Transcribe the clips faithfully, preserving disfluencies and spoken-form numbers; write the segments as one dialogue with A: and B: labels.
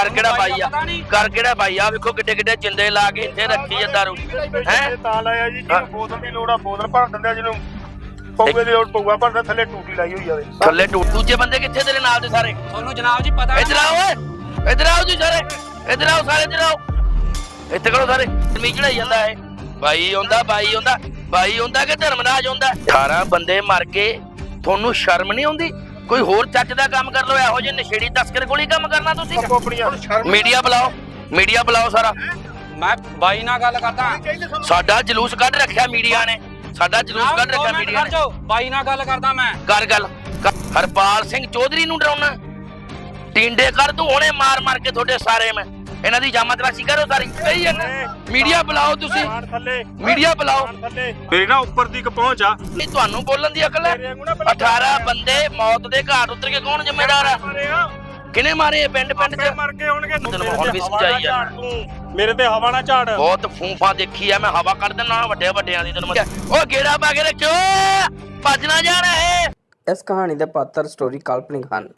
A: ਕਰ ਕਿਹੜਾ ਬਾਈ ਆ ਕਰ ਕਿਹੜਾ ਬਾਈ ਆ ਵੇਖੋ ਕਿੱਡੇ ਕਿੱਡੇ ਜਿੰਦੇ ਲਾ ਕੇ ਇੱਥੇ ਰੱਖੀ ਆ ਦਾਰੂ ਹੈ
B: ਤਾਂ ਲਾਇਆ ਜੀ ਜਿਹਨੂੰ ਬੋਤਲ ਦੀ ਲੋੜ ਆ ਬੋਤਲ ਭਰ ਦਿੰਦੇ ਆ, ਜਿਹਨੂੰ ਪਊਏ ਦੀ ਲੋੜ ਪਊਆ ਭਰਦਾ, ਥੱਲੇ ਟੂਟੀ ਲਾਈ ਹੋਈ ਆਵੇ
A: ਥੱਲੇ ਟੂ ਦੂਜੇ ਬੰਦੇ ਕਿੱਥੇ ਤੇਰੇ ਨਾਲ ਦੇ ਸਾਰੇ?
C: ਤੁਹਾਨੂੰ ਜਨਾਬ ਜੀ ਪਤਾ
A: ਇੱਧਰ ਆਓ ਓਏ ਇੱਧਰ ਆਓ ਜੀ ਸਾਰੇ ਇੱਧਰ ਆਓ ਸਾਰੇ ਇੱਧਰ ਆਓ ਇੱਥੇ ਕਰੋ ਸਾਰੇ ਜ਼ਮੀਨ ਚੜਾਈ ਜਾਂਦਾ ਹੈ ਬਾਈ ਆਉਂਦਾ ਬਾਈ ਆਉਂਦਾ ਬਾਈ ਆਉਂਦਾ ਕਿ ਧਰਮਰਾਜ ਆਉਂਦਾ ਅਠਾਰਾਂ ਬੰਦੇ ਮਰ ਕੇ ਤੁਹਾਨੂੰ ਸ਼ਰਮ ਨਹੀਂ ਆਉਂਦੀ? ਕੋਈ ਹੋਰ ਚੱਜ ਦਾ ਕੰਮ ਕਰ ਲਓ, ਇਹੋ ਜਿਹੇ ਨਸ਼ੇੜੀ ਤਸਕਰ ਕੋਲ ਹੀ ਕੰਮ ਕਰਨਾ ਤੁਸੀਂ? ਮੀਡੀਆ ਬੁਲਾਓ ਮੀਡੀਆ ਬੁਲਾਓ ਸਾਰਾ।
C: ਮੈਂ ਬਾਈ ਨਾਲ ਗੱਲ ਕਰਦਾ।
A: ਸਾਡਾ ਜਲੂਸ ਕੱਢ ਰੱਖਿਆ ਮੀਡੀਆ ਨੇ ਸਾਡਾ ਜਲੂਸ ਕੱਢ ਰੱਖਿਆ ਮੀਡੀਆ ਨੇ।
C: ਬਾਈ ਨਾਲ ਗੱਲ ਕਰਦਾ ਮੈਂ।
A: ਕਰ ਗੱਲ ਹਰਪਾਲ ਸਿੰਘ ਚੌਧਰੀ ਨੂੰ ਡਰਾਉਣਾ ਟਿੰਡੇ ਕਰ ਤੂੰ ਹੁਣੇ ਮਾਰ ਮਾਰ ਕੇ ਤੁਹਾਡੇ ਸਾਰੇ ਮੈਂ ਇਹਨਾਂ ਦੀ ਜਾਮਾ ਤਲਾਸ਼ੀ ਕਰੋ ਸਾਰੀ ਕਹੀ ਜਾਂਦਾ। ਮੀਡੀਆ ਬੁਲਾਓ ਤੁਸੀਂ ਮੀਡੀਆ ਬੁਲਾਓ
B: ਮੇਰੀ ਨਾ ਉੱਪਰ ਦੀ ਪਹੁੰਚ ਆ
A: ਇਹ ਤੁਹਾਨੂੰ ਬੋਲਣ ਦੀ ਅਕਲ ਹੈ? ਅਠਾਰਾਂ ਬੰਦੇ ਮੌਤ ਦੇ ਘਾਟ ਉਤਰ ਕੇ ਕੌਣ ਜ਼ਿੰਮੇਦਾਰ ਆ? ਕਿਨੇ ਮਾਰੇ ਪਿੰਡ ਪਿੰਡ ਚ
B: ਮਰ ਕੇ ਹੋਣਗੇ।
A: ਤੈਨੂੰ ਹੁਣ ਵੀ ਸਮਝਾਈ ਆ
B: ਮੇਰੇ ਤੇ ਹਵਾ ਨਾ ਝਾੜ
A: ਬਹੁਤ ਫੂਫਾ ਦੇਖੀ ਆ ਮੈਂ ਹਵਾ ਕੱਢ ਦਿੰਦਾ ਵੱਡੇ ਵੱਡਿਆਂ ਦੀ ਤੈਨੂੰ ਉਹ ਗੇੜਾ ਪਾ ਕੇ ਰੱਖਿਓ ਭੱਜ ਨਾ ਜਾਣਾ ਹੈ।
D: ਇਸ ਕਹਾਣੀ ਦੇ ਪਾਤਰ ਸਟੋਰੀ ਕਾਲਪਨਿਕ ਹਨ।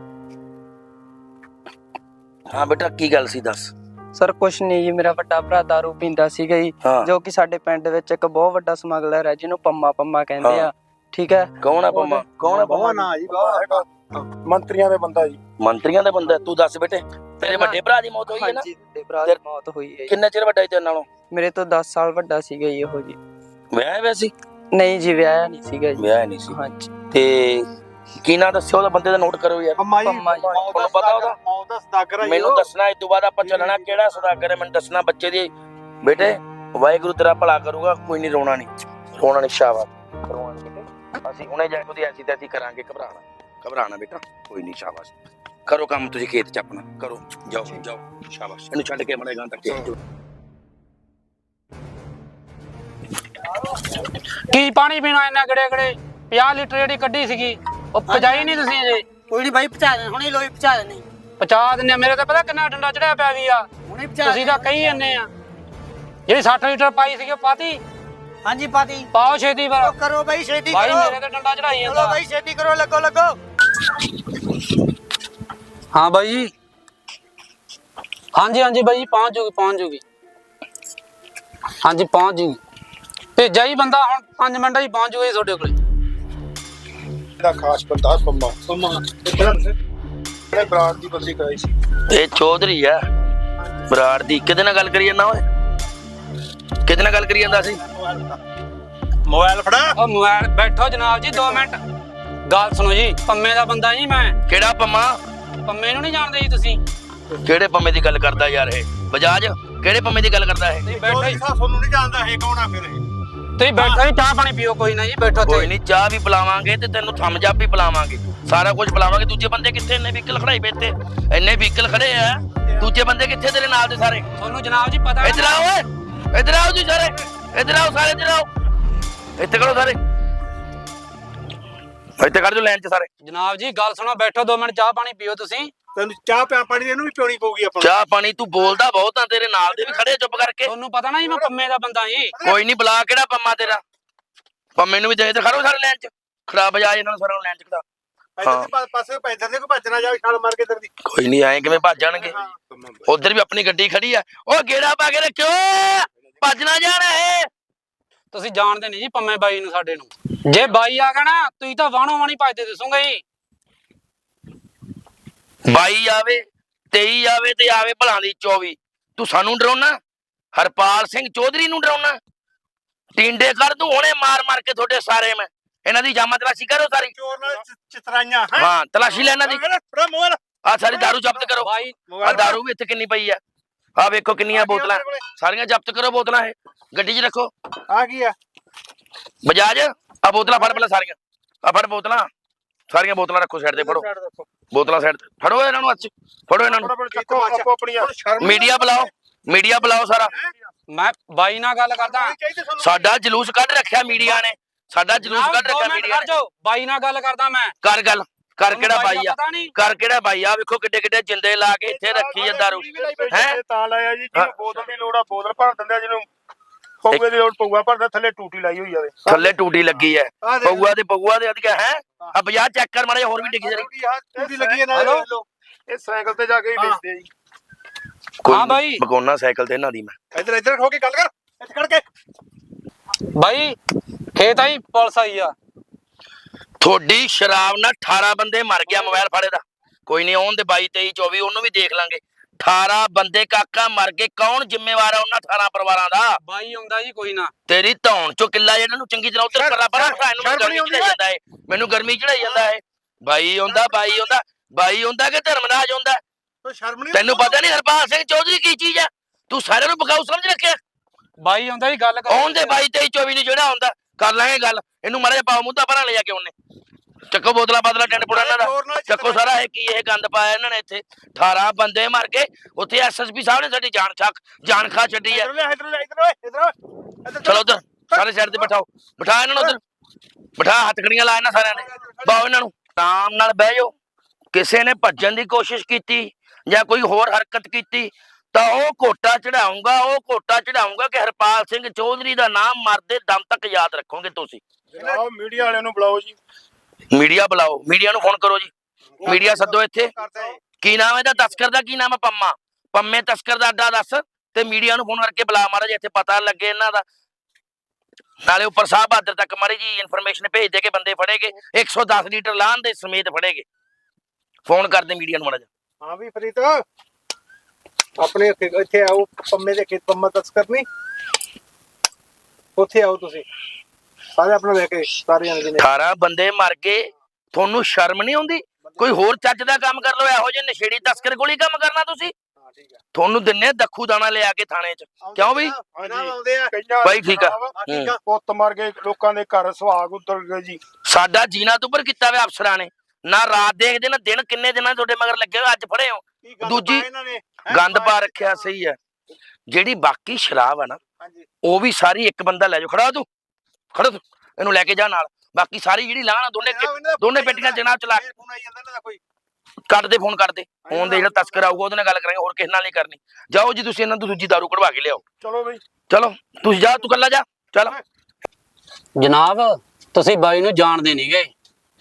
A: ਹਾਂ ਬੇਟਾ ਕੀ ਗੱਲ ਸੀ ਦੱਸ।
E: ਸਰ ਕੁਛ ਨਹੀਂ ਜੀ, ਮੇਰਾ ਵੱਡਾ ਭਰਾ ਦਾਰੂ ਪੀਂਦਾ ਸੀਗਾ ਜੀ, ਜੋ ਕਿ ਸਾਡੇ ਪਿੰਡ ਵਿੱਚ ਇੱਕ ਬਹੁਤ ਵੱਡਾ ਸਮਗਲਰ ਹੈ ਜਿਹਨੂੰ ਪੰਮਾ ਪੰਮਾ ਕਹਿੰਦੇ ਆ। ਠੀਕ ਹੈ।
A: ਕੌਣ ਆ ਪੰਮਾ? ਕੌਣ ਆ ਪੰਮਾ?
B: ਨਾ ਜੀ ਮੰਤਰੀਆਂ ਦੇ ਬੰਦਾ ਜੀ।
A: ਮੰਤਰੀਆਂ ਦਾ ਬੰਦਾ? ਤੂੰ ਦੱਸ ਬੇਟੇ ਤੇਰੇ ਵੱਡੇ ਭਰਾ ਦੀ ਮੌਤ ਹੋਈ ਹੈ ਨਾ?
E: ਹਾਂਜੀ, ਵੱਡੇ ਭਰਾ ਦੀ ਮੌਤ ਹੋਈ ਹੈ।
A: ਕਿੰਨਾ ਚਿਰ ਵੱਡਾ ਹੈ ਤੇਰੇ ਨਾਲੋਂ?
E: ਮੇਰੇ ਤੋਂ ਦਸ ਸਾਲ ਵੱਡਾ ਸੀਗਾ ਜੀ ਉਹ ਜੀ।
A: ਵਿਆਹ ਹੋਇਆ ਸੀ?
E: ਨਹੀਂ ਜੀ ਵਿਆਹਿਆ ਨਹੀਂ ਸੀਗਾ ਜੀ।
A: ਵਿਆਹ ਨਹੀਂ ਸੀ।
E: ਹਾਂਜੀ।
A: ਤੇ ਕੀ ਨਾਂ ਦੱਸਿਓ ਉਹਦਾ ਬੰਦੇ ਦਾ ਨੋਟ ਕਰੋ ਯਾਰ।
E: ਪੰਮਾ ਜੀ।
A: ਤੁਹਾਨੂੰ ਪਤਾ ਉਹਦਾ?
B: ਮੌਤ ਦਾ ਸਦਾਗਰ ਹੈ
A: ਮੈਨੂੰ ਦੱਸਣਾ ਇਸ ਤੋਂ ਬਾਅਦ ਆਪਾਂ ਚੱਲਣਾ ਕਿਹੜਾ ਸਦਾਗਰ ਹੈ ਮੈਨੂੰ ਦੱਸਣਾ ਬੱਚੇ ਦੀ। ਬੇਟੇ ਵਾਹਿਗੁਰੂ ਤੇਰਾ ਭਲਾ ਕਰੂਗਾ, ਕੋਈ ਨਹੀਂ ਰੋਣਾ ਨਹੀਂ ਰੋਣਾ ਨਹੀਂ ਸ਼ਾਬਾਸ਼ ਰੋਣਾ ਨਹੀਂ ਬੇਟੇ। ਅਸੀਂ ਹੁਣੇ ਜਾ ਕੇ ਉਹਦੀ ਐਸੀ ਤੈਸੀ ਕਰਾਂਗੇ ਘਬਰਾਣਾ ਘਬਰਾਣਾ ਬੇਟਾ ਕੋਈ ਨਹੀਂ ਸ਼ਾਬਾਸ਼ ਕਰੋ ਕੰਮ ਤੁਸੀਂ ਖੇਤ ਚ ਆਪਣਾ ਕਰੋ ਜਾਓ ਜਾਓ ਸ਼ਾਬਾਸ਼ ਇਹਨੂੰ ਛੱਡ ਕੇ ਮੜੇਗਾ ਤੱਕ
C: ਕੀ ਪਾਣੀ ਪੀਣਾ ਇੰਨਾ ਗੜੇ ਗੜੇ ਪੰਜਾਹ ਲੀਟਰ ਜਿਹੜੀ ਕੱਢੀ ਸੀਗੀ ਉਹ ਪਜਾਈ ਨਹੀਂ ਤੁਸੀਂ ਅਜੇ?
F: ਕੋਈ ਨਹੀਂ ਬਾਈ ਪਹੁੰਚਾ ਦੇ ਹੁਣੇ ਲੋਈ ਪਹੁੰਚਾ ਦੇਣੀ
C: ਪਚਾ ਦਿੰਨੇ ਮੇਰੇ ਤਾਂ ਪਤਾ ਕਿੰਨਾ ਡੰਡਾ ਚੜਿਆ ਪਿਆ ਵੀ ਆ।
F: ਹੁਣੇ ਪਹੁੰਚਾ
C: ਤੁਸੀਂ ਤਾਂ ਕਹੀ ਜੰਨੇ ਆ ਜਿਹੜੀ ਸੱਠ ਲੀਟਰ ਪਾਈ ਸੀਗੀ ਉਹ ਪਾਤੀ
F: ਹਾਂਜੀ ਪਾਤੀ
C: ਪਾਓ ਛੇਤੀ ਪਰ
F: ਕਰੋ ਬਾਈ ਛੇਤੀ
C: ਬਾਈ
F: ਕਰੋ
C: ਮੇਰੇ ਤੇ ਡੰਡਾ ਚੜਾਈ
F: ਚਲੋ
C: ਜਾਂਦਾ।
F: ਬਾਈ ਛੇਤੀ ਕਰੋ ਲੱਗੋ ਲੱਗੋ
C: ਹਾਂ ਬਾਈ ਜੀ ਹਾਂਜੀ ਹਾਂਜੀ ਬਾਈ ਜੀ ਪਹੁੰਚ ਜੂਗੀ ਪਹੁੰਚ ਜੂਗੀ ਹਾਂਜੀ ਪਹੁੰਚ ਜੂਗੀ ਭੇਜਿਆ ਹੀ ਬੰਦਾ ਹੁਣ ਪੰਜ ਮਿੰਟਾਂ ਹੀ ਪਹੁੰਚ ਜੂਗਾ ਜੀ ਤੁਹਾਡੇ ਕੋਲੇ।
B: ਦਾ ਖਾਸ ਬੰਦਾ ਪੰਮਾ ਪੰਮਾ ਇਹਨੇ ਬਰਾੜ ਦੀ ਬਦਲੀ ਕਰਾਈ ਸੀ।
A: ਇਹ ਚੌਧਰੀ ਆ ਬਰਾੜ ਦੀ। ਕਿਹਦੇ ਨਾਲ ਗੱਲ ਕਰੀ ਜਾਂਦਾ ਓਏ? ਕਿਹਦੇ ਨਾਲ ਗੱਲ ਕਰੀ ਜਾਂਦਾ ਸੀ?
B: ਮੋਬਾਈਲ ਫੜਾ
C: ਉਹ ਮੋਬਾਈਲ ਬੈਠੋ ਜਨਾਬ ਜੀ ਦੋ ਮਿੰਟ ਗੱਲ ਸੁਣੋ ਜੀ। ਪੰਮੇ ਦਾ ਬੰਦਾ ਜੀ ਮੈਂ।
A: ਕਿਹੜਾ ਪੰਮਾ?
C: ਪੰਮੇ ਨੂੰ ਨਹੀਂ ਜਾਣਦੇ ਜੀ ਤੁਸੀਂ?
A: ਕਿਹੜੇ ਪੰਮੇ ਦੀ ਗੱਲ ਕਰਦਾ ਯਾਰ ਇਹ? ਬਜਾਜ ਕਿਹੜੇ ਪੰਮੇ ਦੀ ਗੱਲ ਕਰਦਾ ਇਹ?
C: ਤੁਸੀਂ ਬੈਠੋ ਜੀ
B: ਤੁਹਾਨੂੰ ਨਹੀਂ ਜਾਣਦਾ ਇਹ ਕੌਣ ਆ ਫਿਰ ਇਹ?
C: ਤੁਸੀਂ ਬੈਠੋ ਜੀ ਚਾਹ ਪਾਣੀ ਪੀਓ ਕੋਈ ਨਾ ਜੀ ਬੈਠੋ
A: ਕੋਈ
C: ਤੇ
A: ਨਹੀਂ ਚਾਹ ਵੀ ਪਿਲਾਵਾਂਗੇ ਤੇ ਤੈਨੂੰ ਥੰਮਜ ਅਪ ਵੀ ਪਿਲਾਵਾਂਗੇ ਸਾਰਾ ਕੁਝ ਪਿਲਾਵਾਂਗੇ। ਦੂਜੇ ਬੰਦੇ ਕਿੱਥੇ? ਇੰਨੇ ਵਹੀਕਲ ਖੜਾਈ ਪਏ ਇੱਥੇ ਇੰਨੇ ਵਹੀਕਲ ਖੜੇ ਆ ਦੂਜੇ ਬੰਦੇ ਕਿੱਥੇ ਤੇਰੇ ਨਾਲ ਦੇ ਸਾਰੇ?
C: ਤੁਹਾਨੂੰ ਜਨਾਬ ਜੀ ਪਤਾ
A: ਇੱਧਰ ਆਓ ਓਏ ਇੱਧਰ ਆਓ ਜੀ ਸਾਰੇ ਇੱਧਰ ਆਓ ਸਾਰੇ ਇੱਧਰ ਆਓ ਇੱਥੇ ਕਰੋ ਸਾਰੇ ਇੱਥੇ ਕਰ ਜੋ ਲਾਈਨ 'ਚ ਸਾਰੇ।
C: ਜਨਾਬ ਜੀ ਗੱਲ ਸੁਣੋ ਬੈਠੋ ਦੋ ਮਿੰਟ ਚਾਹ ਪਾਣੀ ਪੀਓ ਤੁਸੀਂ।
B: ਤੈਨੂੰ ਚਾਹ ਪਿਆ ਪਾਣੀ ਇਹਨੂੰ ਵੀ ਪਿਉਣੀ ਪਊਗੀ ਆਪਾਂ
A: ਚਾਹ ਪਾਣੀ ਤੂੰ ਬੋਲਦਾ ਬਹੁਤ ਆ ਤੇਰੇ ਨਾਲ ਦੇ ਵੀ ਖੜੇ ਚੁੱਪ ਕਰਕੇ।
C: ਤੁਹਾਨੂੰ ਪਤਾ ਨਾ ਜੀ ਮੈਂ ਪੰਮੇ ਦਾ ਬੰਦਾ ਜੀ।
A: ਕੋਈ ਨਹੀਂ ਬੁਲਾ ਕਿਹੜਾ ਪੰਮਾ ਤੇਰਾ? ਪੰਮੇ ਨੂੰ ਵੀ ਦੇ ਇੱਧਰ ਖੜੋ ਸਾਰੇ ਲਾਈਨ 'ਚ ਖੜਾ ਬਜਾ ਇਹਨਾਂ ਨੂੰ ਸਾਰਿਆਂ ਨੂੰ ਲਾਈਨ 'ਚ ਖੜਾ।
B: ਇੱਧਰ ਪਾਸੇ ਪੈਦਰ ਦੇ ਕੋ ਭੱਜਣਾ ਜਾਵੇ ਛਾਲ ਮਾਰ ਕੇ ਤੇਰੀ।
A: ਕੋਈ ਨਹੀਂ ਆਏ ਕਿਵੇਂ ਭੱਜ ਜਾਣਗੇ? ਉਧਰ ਵੀ ਆਪਣੀ ਗੱਡੀ ਖੜੀ ਆ ਉਹ ਗੇੜਾ ਪਾ ਕੇ ਰੱਖਿਓ ਭੱਜ ਨਾ ਜਾਣਾ ਇਹ।
C: ਤੁਸੀਂ ਜਾਣਦੇ ਨਹੀਂ ਜੀ ਪੰਮੇ ਬਾਈ ਨੂੰ ਸਾਡੇ ਨੂੰ। ਜੇ ਬਾਈ ਆ ਗਿਆ ਨਾ ਤੁਸੀਂ ਤਾਂ ਵਾਣੋ ਵਾਣੀ ਭੱਜਦੇ ਦਿਸੋਗੇ ਜੀ।
A: ਬਾਈ ਆਵੇ ਤੇਈ ਆਵੇ ਤੇ ਆਵੇ ਭਲਾਂ ਦੀ ਚੌਵੀ ਤੂੰ ਸਾਨੂੰ ਡਰਾਉਣਾ? ਹਰਪਾਲ ਸਿੰਘ ਚੌਧਰੀ ਨੂੰ ਡਰਾਉਣਾ? ਟਿੰਡੇ ਕਰ ਤੂੰ ਹੁਣੇ ਮਾਰ ਮਾਰ ਕੇ ਤੁਹਾਡੇ ਸਾਰੇ ਮੈਂ ਇਹਨਾਂ ਦੀ ਜਾਮਾ ਤਲਾਸ਼ੀ ਕਰੋ ਸਾਰੀ।
B: ਚੋਰ ਨਾਲ ਚਿਤਰਾਈਆਂ
A: ਹਾਂ ਤਲਾਸ਼ੀ ਲੈ ਇਹਨਾਂ ਦੀ।
B: ਫੜਾ ਮੋਬਾਈਲ
A: ਆ ਸਾਰੀ ਦਾਰੂ ਜ਼ਬਤ ਕਰੋ।
C: ਬਾਈ
A: ਆ ਦਾਰੂ ਵੀ ਇੱਥੇ ਕਿੰਨੀ ਪਈ ਆ ਆ ਵੇਖੋ ਕਿੰਨੀਆਂ ਬੋਤਲਾਂ ਸਾਰੀਆਂ ਜ਼ਬਤ ਕਰੋ ਬੋਤਲਾਂ ਇਹ ਗੱਡੀ 'ਚ ਰੱਖੋ।
B: ਆ ਕੀ ਆ
A: ਬਜਾਜ ਆ ਬੋਤਲਾਂ ਫੜ ਪਹਿਲਾਂ ਸਾਰੀਆਂ ਆ ਫੜ ਬੋਤਲਾਂ ਸਾਰੀਆਂ ਬੋਤਲਾਂ ਰੱਖੋ ਸਾਈਡ ਤੇ ਫੜੋ ਬੋਤਲਾਂ ਸਾਈਡ ਤੇ ਫੜੋ ਇਹਨਾਂ ਨੂੰ ਅੱਜ ਫੜੋ ਇਹਨਾਂ ਨੂੰ। ਮੀਡੀਆ ਬੁਲਾਓ ਮੀਡੀਆ ਬੁਲਾਓ ਸਾਰਾ।
C: ਮੈਂ ਬਾਈ ਨਾਲ ਗੱਲ ਕਰਦਾ।
A: ਸਾਡਾ ਜਲੂਸ ਕੱਢ ਰੱਖਿਆ ਮੀਡੀਆ ਨੇ ਸਾਡਾ ਜਲੂਸ ਕੱਢ ਰੱਖਿਆ ਮੀਡੀਆ ਨੇ।
C: ਬਾਈ ਨਾਲ ਗੱਲ ਕਰਦਾ ਮੈਂ।
A: ਕਰ ਗੱਲ ਕਰ ਕਿਹੜਾ ਬਾਈ ਆ ਕਰ ਕਿਹੜਾ ਬਾਈ ਆ ਵੇਖੋ ਕਿੱਡੇ ਕਿੱਡੇ ਜਿੰਦੇ ਲਾ ਕੇ ਇੱਥੇ ਰੱਖੀ ਆ ਦਾਰੂ ਹੈ।
B: ਤਾਂ ਲਾਇਆ ਜੀ ਜਿਹਨੂੰ ਬੋਤਲ ਦੀ ਲੋੜ ਆ ਬੋਤਲ ਭਰ ਦਿੰਦੇ ਆ, ਜਿਹਨੂੰ ਪਊਏ ਦੀ ਲੋੜ ਪਊਆ ਭਰਦਾ, ਥੱਲੇ ਟੂਟੀ ਲਾਈ ਹੋਈ ਆਵੇ
A: ਥੱਲੇ ਟੂਟੀ ਲੱਗੀ ਹੈ ਪਊਆ ਤੇ ਪਊਆ ਦੇ ਅਧਿਕਾ ਹੈ ਆ ਬਾਜ਼ਾਰ ਚੈੱਕ ਕਰ ਮਾਰੇ ਹੋਰ ਵੀ ਡਿੱਗੀ ਜਰੀ
B: ਟੂਟੀ ਲੱਗੀ ਹੈ ਨਾਲ। ਇਹ ਸਾਈਕਲ ਤੇ ਜਾ ਕੇ ਹੀ ਵੇਚਦੇ ਆ ਜੀ।
C: ਹਾਂ ਬਾਈ।
A: ਬਗੋਨਾ ਸਾਈਕਲ ਤੇ ਇਹਨਾਂ ਦੀ ਮੈਂ
B: ਇੱਧਰ ਇੱਧਰ ਹੋ ਕੇ ਗੱਲ ਕਰ ਇੱਥੇ ਖੜ ਕੇ।
C: ਬਾਈ ਖੇਤ ਆਈ ਪੁਲਿਸ ਆਈ ਆ।
A: ਤੁਹਾਡੀ ਸ਼ਰਾਬ ਨਾਲ ਅਠਾਰਾਂ ਬੰਦੇ ਮਰ ਗਿਆ ਮੋਬਾਈਲ ਫਾੜੇ ਦਾ। ਕੋਈ ਨਹੀਂ ਆਉਣ ਦੇ ਬਾਈ ਤੇਈ ਚੌਵੀ ਉਹਨੂੰ ਵੀ ਦੇਖ ਲਾਂਗੇ। ਅਠਾਰਾਂ ਬੰਦੇ ਕਾਕਾ ਮਰ ਗਏ, ਕੌਣ ਜ਼ਿੰਮੇਵਾਰ ਆ ਉਹਨਾਂ ਅਠਾਰਾਂ ਪਰਿਵਾਰਾਂ ਦਾ?
C: ਬਾਈ ਆਉਂਦਾ ਜੀ ਕੋਈ ਨਾ।
A: ਤੇਰੀ ਧੌਣ ਚੋਂ ਕਿੱਲਾ ਇਹਨਾਂ ਨੂੰ ਚੰਗੀ ਤਰ੍ਹਾਂ ਉੱਧਰ ਪਰਾ ਪਰਾ ਬਿਠਾ, ਇਹਨੂੰ ਗਰਮੀ ਚੜਾਈ ਜਾਂਦਾ ਹੈ, ਮੈਨੂੰ ਗਰਮੀ ਚੜਾਈ ਜਾਂਦਾ ਹੈ। ਬਾਈ ਆਉਂਦਾ ਬਾਈ ਆਉਂਦਾ ਬਾਈ ਆਉਂਦਾ ਕਿ ਧਰਮਰਾਜ ਆਉਂਦਾ?
B: ਸ਼ਰਮ ਨਹੀਂ
A: ਤੈਨੂੰ ਪਤਾ ਨਹੀਂ ਹਰਪਾਲ ਸਿੰਘ ਚੌਧਰੀ ਕੀ ਚੀਜ਼ ਆ? ਤੂੰ ਸਾਰਿਆਂ ਨੂੰ ਬਗਾਊ ਸਮਝ ਰੱਖਿਆ।
C: ਬਾਈ ਆਉਂਦਾ ਜੀ ਗੱਲ ਕਰ।
A: ਆਉਣ ਦੇ ਬਾਈ ਤੇਈ ਚੌਵੀ ਨੂੰ ਜਿਹੜਾ ਆਉਂਦਾ ਕਰ ਲਾਂਗੇ ਗੱਲ। ਇਹਨੂੰ ਮਾੜਾ ਜਿਹਾ ਪਾਓ ਮੁੱਦਾ ਭਰਾ ਲੈ ਜਾ ਕੇ ਉਹਨੇ। ਚੱਕੋ ਬੋਤਲਾਂ ਬਾਦਲਾ ਟੈਂਟ ਪੁੜਾ ਇਹਨਾਂ ਦਾ, ਚੱਕੋ ਸਾਰਾ ਇਹ ਕੀ ਇਹ ਗੰਦ ਪਾਇਆ ਇਹਨਾਂ ਨੇ ਇੱਥੇ। ਅਠਾਰਾਂ ਬੰਦੇ ਮਰ ਗਏ ਉੱਥੇ। ਐਸਐਸਪੀ ਸਾਹਿਬ ਨੇ ਸਾਡੀ ਜਾਨ ਛੱਕ ਜਾਨ ਖਾ ਛੱਡੀ ਆ। ਚਲੋ ਉਧਰ ਸਾਰੇ ਸਾਈਡ ਤੇ ਬਿਠਾਓ, ਬਿਠਾ ਇਹਨਾਂ ਨੂੰ ਉਧਰ ਬਿਠਾ, ਹੱਥਕੜੀਆਂ ਲਾ ਇਹਨਾਂ ਸਾਰਿਆਂ ਨੇ। ਬਾਓ ਇਹਨਾਂ ਨੂੰ ਆਰਾਮ ਨਾਲ ਬਹਿ ਜਾਓ। ਕਿਸੇ ਨੇ ਭੱਜਣ ਦੀ ਕੋਸ਼ਿਸ਼ ਕੀਤੀ ਜਾਂ ਕੋਈ ਹੋਰ ਹਰਕਤ ਕੀਤੀ ਤਾਂ ਉਹ ਕੋਟਾ ਚੜਾਉਂਗਾ, ਉਹ ਕੋਟਾ ਚੜਾਉਂਗਾ ਕਿ ਹਰਪਾਲ ਸਿੰਘ ਚੌਧਰੀ ਦਾ ਨਾਮ ਮਰਦੇ ਦਮ ਤੱਕ ਯਾਦ ਰੱਖੋਗੇ ਤੁਸੀਂ।
B: ਜਨਾਬ ਮੀਡੀਆ ਵਾਲਿਆਂ ਨੂੰ ਬੁਲਾਓ ਜੀ।
A: ਮੀਡੀਆ ਬੁਲਾਓ, ਮੀਡੀਆ ਨੂੰ ਫੋਨ ਕਰੋ ਜੀ। ਮੀਡੀਆ ਸੱਦੋ ਇੱਥੇ। ਕੀ ਨਾਮ ਇਹਦਾ ਤਸਕਰ ਦਾ? ਕੀ ਨਾਮ ਹੈ? ਪੰਮਾ। ਪੰਮੇ ਤਸਕਰ ਦਾ ਅੱਡਾ ਦੱਸ ਤੇ ਮੀਡੀਆ ਨੂੰ ਫੋਨ ਕਰਕੇ ਬੁਲਾ ਮਾਰਾ ਜੇ ਇੱਥੇ ਪਤਾ ਲੱਗੇ ਇਹਨਾਂ ਦਾ। ਨਾਲੇ ਉੱਪਰ ਸਾਹਿਬ ਬਹਾਦਰ ਤੱਕ ਮਾਰੀ ਜੀ ਇਨਫੋਰਮੇਸ਼ਨ ਭੇਜ ਦੇ ਕੇ ਬੰਦੇ ਫੜੇਗੇ। ਇੱਕ ਸੌ ਦਸ ਲੀਟਰ ਲਾਹਨ ਦੇ ਸਮੇਤ ਫੜੇਗੇ। ਫੋਨ ਕਰਦੇ ਮੀਡੀਆ ਨੂੰ ਮਾੜਾ ਜਿਹਾ।
B: ਹਾਂ ਵੀ ਫਰੀਦ ਆਪਣੇ ਇੱਥੇ ਆਓ। ਪੰਮੇ ਦੇ ਖੇਤ ਪੰਮਾ ਤਸਕਰ ਨਹੀਂ, ਉੱਥੇ ਆਓ ਤੁਸੀਂ ਸਾਰੇ ਆਪਣਾ ਲੈ ਕੇ। ਸਾਰੇ ਜਣੇ ਨੇ
A: ਅਠਾਰਾਂ ਬੰਦੇ ਮਰ ਗਏ, ਤੁਹਾਨੂੰ ਸ਼ਰਮ ਨਹੀਂ ਆਉਂਦੀ? ਕੋਈ ਹੋਰ ਚੱਜ ਦਾ ਕੰਮ ਕਰ ਲਓ। ਇਹੋ ਜਿਹੇ ਨਸ਼ੇੜੀ ਤਸਕਰ ਕੋਲ ਹੀ ਕੰਮ ਕਰਨਾ ਤੁਸੀਂ? ਤੁਹਾਨੂੰ ਦਿੰਨੇ ਦੱਖੂ ਦਾਣਾ ਲਿਆ ਕੇ ਥਾਣੇ 'ਚ। ਕਿਉਂ ਬਈ? ਬਾਈ ਠੀਕ ਆ।
B: ਪੁੱਤ ਮਰ ਗਏ, ਲੋਕਾਂ ਦੇ ਘਰ ਸੁਹਾਗ ਉਤਰ ਗਏ ਜੀ।
A: ਸਾਡਾ ਜੀਣਾ ਤੋਂ ਉੱਪਰ ਕੀਤਾ ਵੇ ਅਫਸਰਾਂ ਨੇ। ਨਾ ਰਾਤ ਦੇਖਦੇ ਨਾ ਦਿਨ। ਕਿੰਨੇ ਦਿਨਾਂ ਤੁਹਾਡੇ ਮਗਰ ਲੱਗੇ ਹੋ, ਅੱਜ ਫੜੇ ਹੋ। ਦੂਜੀ ਗੰਦ ਪਾ ਰੱਖਿਆ। ਸਹੀ ਹੈ। ਜਿਹੜੀ ਬਾਕੀ ਸ਼ਰਾਬ ਆ ਨਾ ਉਹ ਵੀ ਸਾਰੀ ਇੱਕ ਬੰਦਾ ਲੈ ਜਾਓ। ਖੜਾ ਤੂੰ, ਖੜਾ ਤੂੰ, ਇਹਨੂੰ ਲੈ ਕੇ ਜਾ ਨਾਲ। ਬਾਕੀ ਸਾਰੀ ਜਿਹੜੀ ਲਾਹਣ ਦੋਨੇ ਦੋਨੇ ਪੇਟੀਆਂ ਜਨਾਬ ਚਲਾ ਕੱਢ ਦੇ, ਫੋਨ ਕਰਦੇ। ਫੋਨ ਦੇ ਜਿਹੜਾ ਤਸਕਰ ਆਊਗਾ ਉਹਦੇ ਨਾਲ ਗੱਲ ਕਰਾਂਗੇ, ਹੋਰ ਕਿਸੇ ਨਾਲ ਨਹੀਂ ਕਰਨੀ। ਜਾਓ ਜੀ ਤੁਸੀਂ ਇਹਨਾਂ ਤੋਂ ਦੂਜੀ ਦਾਰੂ ਕਢਵਾ ਕੇ ਲਿਆਓ।
B: ਚਲੋ ਬਈ
A: ਚਲੋ ਤੁਸੀਂ ਜਾ, ਤੂੰ ਕੱਲਾ ਜਾ। ਚਲ
C: ਜਨਾਬ ਤੁਸੀਂ ਬਾਈ ਨੂੰ ਜਾਣਦੇ ਨਹੀਂ ਗਏ।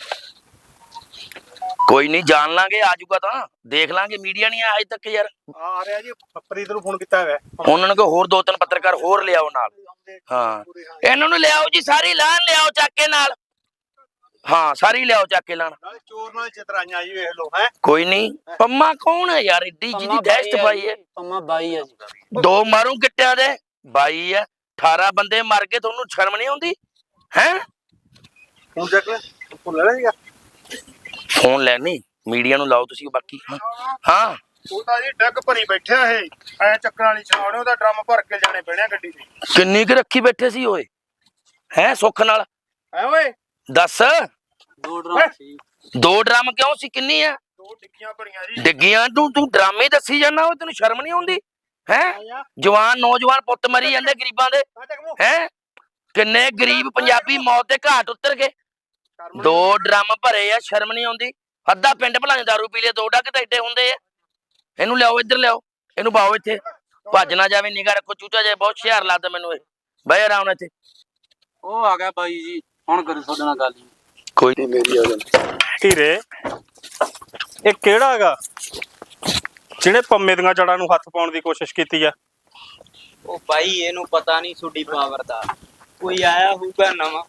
A: ਕੋਈ ਨਹੀਂ, ਜਾਣ ਲਾਂਗੇ। ਆ ਜਾਊਗਾ ਤਾਂ ਦੇਖ ਲਾਂਗੇ। ਮੀਡੀਆ ਨਹੀਂ ਆਇਆ ਅਜੇ ਤੱਕ ਯਾਰ।
B: ਆ ਰਿਹਾ ਜੀ। ਫਰੀਦ ਨੂੰ ਫੋਨ ਕੀਤਾ ਹੋਇਆ।
A: ਉਹਨਾਂ ਨੂੰ ਕਹੋ ਹੋਰ ਦੋ ਤਿੰਨ ਪੱਤਰਕਾਰ ਹੋਰ ਲਿਆਓ ਨਾਲ। ਹਾਂ ਇਹਨਾਂ ਨੂੰ ਲਿਆਓ ਜੀ, ਸਾਰੀ ਲਾਹਨ ਲਿਆਓ ਚੱਕ ਕੇ ਨਾਲ। ਹਾਂ ਸਾਰੀ ਲਿਆਓ ਚੱਕ ਕੇ ਲਾਹਨ।
B: ਨਾਲੇ ਚੋਰ ਨਾਲ ਚਤਰਾਈਆਂ ਜੀ ਵੇਖ ਲਓ। ਹੈ
A: ਕੋਈ ਨਹੀਂ। ਪੰਮਾ ਕੌਣ ਹੈ ਯਾਰ? ਏਡੀ ਜਿਹਦੀ ਦਹਿਸ਼ਤ ਪਾਈ ਹੈ।
C: ਪੰਮਾ ਬਾਈ ਆ ਜੀ।
A: ਦੋ ਮਾਰੂ ਗਿੱਟਿਆਂ ਦੇ ਬਾਈ ਹੈ। ਅਠਾਰਾਂ ਬੰਦੇ ਮਰ ਗਏ, ਤੁਹਾਨੂੰ ਸ਼ਰਮ ਨਹੀਂ ਆਉਂਦੀ ਹੈ?
B: ਫੋਨ ਚੱਕ ਲੈ, ਫੋਨ ਲੈ ਲੈਗਾ।
A: ਫੋਨ ਲੈਣੀ ਮੀਡੀਆ ਨੂੰ ਲਾਓ ਤੁਸੀਂ। ਬਾਕੀ ਹਾਂ
B: ਉਹ ਤਾਂ ਜੀ ਡੱਗ ਭਰੀ ਬੈਠਿਆ ਇਹ। ਐ ਚੱਕਰਾਂ ਵਾਲੀ ਛਾਉਣੇ ਉਹਦਾ ਡਰਮ ਭਰ ਕੇ ਜਾਣੇ ਪੈਣੇ ਗੱਡੀ ਤੇ।
A: ਕਿੰਨੀ ਕੁ ਰੱਖੀ ਬੈਠੇ ਸੀ ਓਏ? ਹੈ ਸੁੱਖ ਨਾਲ
B: ਐ ਓਏ
A: ਦੱਸ।
C: ਦੋ ਡਰਾਮ ਸੀ।
A: ਦੋ ਡਰਮ ਕਿਉਂ ਸੀ? ਕਿੰਨੀ ਆ?
B: ਦੋ ਡਿੱਗੀਆਂ ਭਰੀਆਂ ਜੀ।
A: ਡਿੱਗੀਆਂ ਤੂੰ ਤੂੰ ਡਰਾਮੇ ਦੱਸੀ ਜਾਂਦਾ ਓਏ। ਤੈਨੂੰ ਸ਼ਰਮ ਨਹੀਂ ਆਉਂਦੀ ਹੈ? ਜਵਾਨ ਨੌਜਵਾਨ ਪੁੱਤ ਮਰੀ ਜਾਂਦੇ ਗਰੀਬਾਂ ਦੇ। ਹੈ ਕਿੰਨੇ ਗਰੀਬ ਪੰਜਾਬੀ ਮੌਤ ਦੇ ਘਾਟ ਉਤਰ ਗਏ। ਦੋ ਡਰਮ ਭਰੇ ਆ, ਸ਼ਰਮ ਨਹੀਂ ਆਉਂਦੀ? ਅੱਧਾ ਪਿੰਡ ਭਲਾਣੇ ਦਾਰੂ ਪੀ ਲਿਆ, ਦੋ ਡੱਕ ਤਾਂ ਏਡੇ ਹੁੰਦੇ ਆ। ਇਹਨੂੰ ਲਿਆਓ, ਇੱਧਰ ਲਿਆਓ, ਇਹਨੂੰ ਪਾਓ ਇੱਥੇ। ਭੱਜ ਨਾ ਜਾਵੇ, ਨਿਗਾਹ ਰੱਖੋ। ਚੂਚਾ ਜੇ ਬਹੁਤ ਹੁਸ਼ਿਆਰ ਲੱਗਦਾ ਮੈਨੂੰ ਇਹ। ਬਹਿ ਆਰਾਮ ਨਾਲ ਇੱਥੇ।
C: ਉਹ ਆ ਗਿਆ ਬਾਈ ਜੀ, ਹੁਣ ਕਰੀ ਤੁਹਾਡੇ ਨਾਲ ਗੱਲ।
A: ਕੋਈ ਨਹੀਂ ਮੇਰੀ ਆ ਗੱਲ।
B: ਹੀਰੇ ਇਹ ਕਿਹੜਾ ਹੈਗਾ ਜਿਹਨੇ ਪੰਮੇ ਦੀਆਂ ਜੜਾਂ ਨੂੰ ਹੱਥ ਪਾਉਣ ਦੀ ਕੋਸ਼ਿਸ਼ ਕੀਤੀ ਆ?
G: ਉਹ ਭਾਈ ਇਹਨੂੰ ਪਤਾ ਨਹੀਂ ਤੁਹਾਡੀ ਪਾਵਰ ਦਾ। ਕੋਈ ਆਇਆ ਹੋਊਗਾ ਨਵਾਂ।